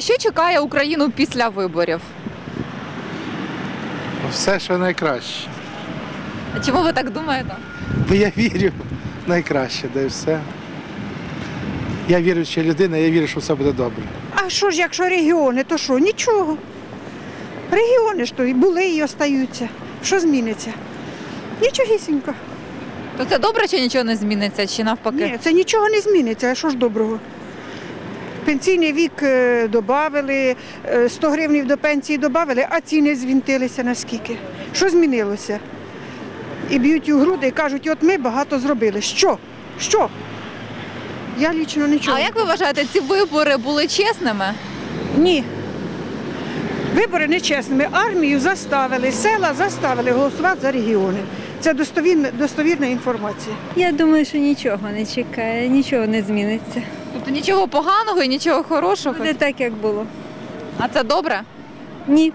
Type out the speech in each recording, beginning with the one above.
Що чекає Україну після виборів? Все, що найкраще. А чому ви так думаєте? Бо я вірю в найкраще, де все. Я віруюча людина, я вірю, що все буде добре. А що ж, якщо регіони, то що? Нічого. Регіони ж то і були, і остаються. Що зміниться? Нічогісінько. То це добре, чи нічого не зміниться, чи навпаки? Ні, це нічого не зміниться, а що ж доброго? Пенсійний вік додали, 100 гривень до пенсії додали, а ціни звінтилися наскільки. Що змінилося? І б'ють у груди і кажуть, от ми багато зробили. Що? Що? Я лічно нічого. А як ви вважаєте, ці вибори були чесними? Ні. Вибори нечесними. Армію заставили, села заставили голосувати за регіони. Це достовірна інформація. Я думаю, що нічого не чекає, нічого не зміниться. Тобто нічого поганого і нічого хорошого? Буде так, як було. А це добре? Ні.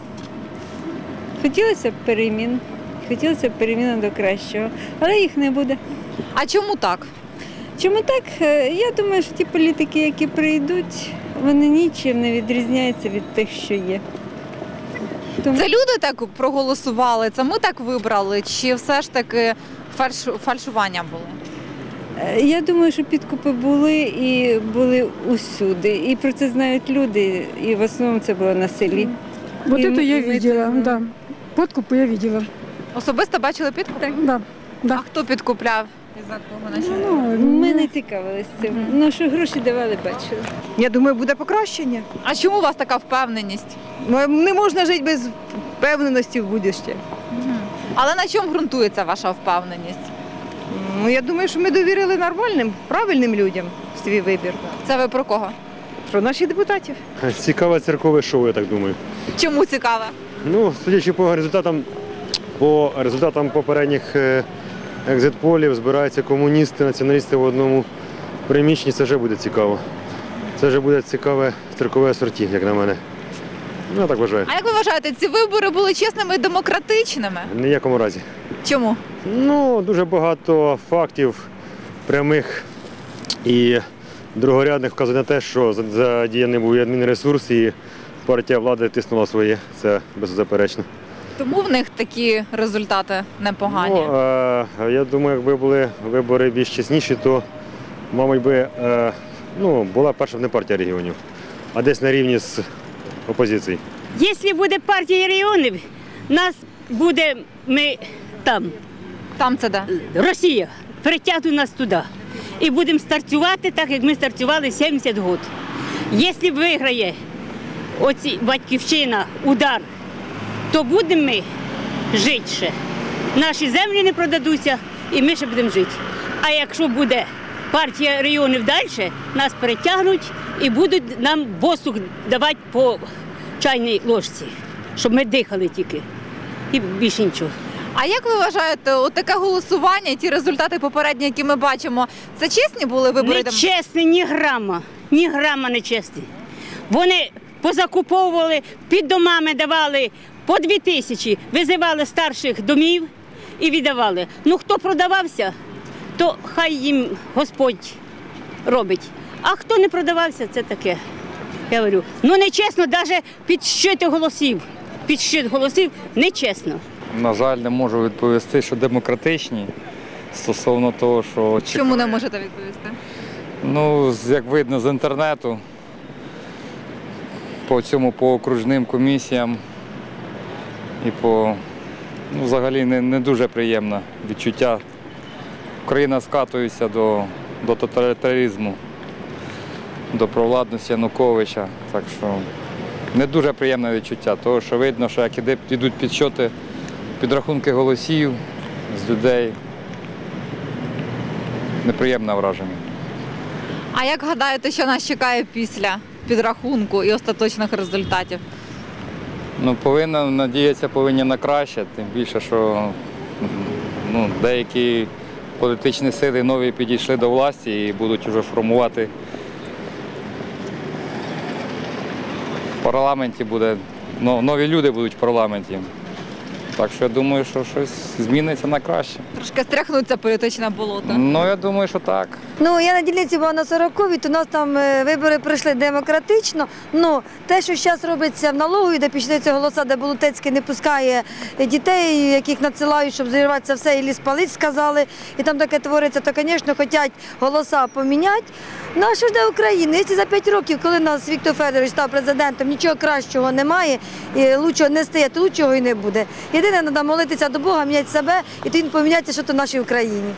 Хотілося б перемін. Хотілося б перемін до кращого, але їх не буде. А чому так? Чому так? Я думаю, що ті політики, які прийдуть, вони нічим не відрізняються від тих, що є. Тому Це люди так проголосували, це ми так вибрали, чи все ж таки фальшування було? я думаю, що підкупи були і були усюди. І про це знають люди, і в основному це було на селі. Вот И это мы- я и мы видела, это знаем. да. Подкупы я видела. Особисто бачили підкуп? Да, А да. хто підкупляв? І за кого на що? Ми не цікавилися цим. Ну, що гроші давали, бачили. Я думаю, буде покращення. А чому у вас така впевненість? Не можна жити без впевненості в будущее. Але на чому ґрунтується ваша впевненість? Ну, я думаю, що ми довірили нормальним, правильним людям свій вибір. Це ви про кого? Про наших депутатів. Цікаве церкове шоу, я так думаю. Чому цікаво? Ну, судячи по результатам попередніх екзит-полів, збираються комуністи, націоналісти в одному приміщенні, це вже буде цікаво. Це вже буде цікаве церкове асорті, як на мене. Ну, я так вважаю. А як ви вважаєте, ці вибори були чесними і демократичними? В ніякому разі. Чому? Ну, дуже багато фактів прямих і другорядних вказує на те, що задіяний був і адмінресурс, і партія влади тиснула своє. Це беззаперечно. Тому в них такі результати непогані. Ну, я думаю, якби були вибори більш чесніші, то, мабуть, була перша не партія регіонів, а десь на рівні з опозицією. Якщо буде партія регіонів, нас буде, ми там, Там це де? Росія, притягне нас туди. І будемо стартувати так, як ми стартували 70 років. Якщо виграє оці батьківщина, удар, то будемо ми жити ще. Наші землі не продадуться і ми ще будемо жити. А якщо буде партія регіонів далі, нас перетягнуть і будуть нам воздух давати по чайній ложці, щоб ми дихали тільки. І більше нічого. А як ви вважаєте, от таке голосування і ті результати попередні, які ми бачимо, це чесні були вибори? Нечесні, ні грама не чесні. Вони позакуповували, під домами давали по 2000, визивали старших домів і віддавали. Ну хто продавався, то хай їм Господь робить. А хто не продавався, це таке. Я говорю, ну нечесно, навіть підсчити голосів. Підсчит голосів нечесно. На жаль, не можу відповісти, що демократичні стосовно того, що Чому не можете відповісти? Ну, як видно з інтернету, по окружним комісіям і взагалі не дуже приємне відчуття. Україна скатується до тоталітаризму, до провладності Януковича. Так що не дуже приємне відчуття, тому що видно, що як йдуть підсчоти, підрахунки голосів з людей. Неприємне враження. А як гадаєте, що нас чекає після підрахунку і остаточних результатів? Ну, надіятися повинні на краще, тим більше, що деякі політичні сили нові підійшли до власті і будуть вже формувати в парламенті, нові люди будуть в парламенті. Так що я думаю, що щось зміниться на краще. Трошки стряхнуться політичне болото. Ну, я думаю, що так. Ну, я на дільниці була на 40-й, то у нас там вибори пройшли демократично. Ну, те, що зараз робиться в налоговій, де пішли голоса, де Болотецький не пускає дітей, яких надсилають, щоб зірватися все, і ліс палить, сказали, і там таке твориться, то, звісно, хочуть голоса поміняти. Ну, а що ж де Україна? Якщо за 5 років, коли нас Віктор Федорович став президентом, нічого кращого немає, і лучшого не стає, то лучшого і не буде. Єдине, треба молитися до Бога, міняти себе, і тоді поміняється, що то в нашій Україні.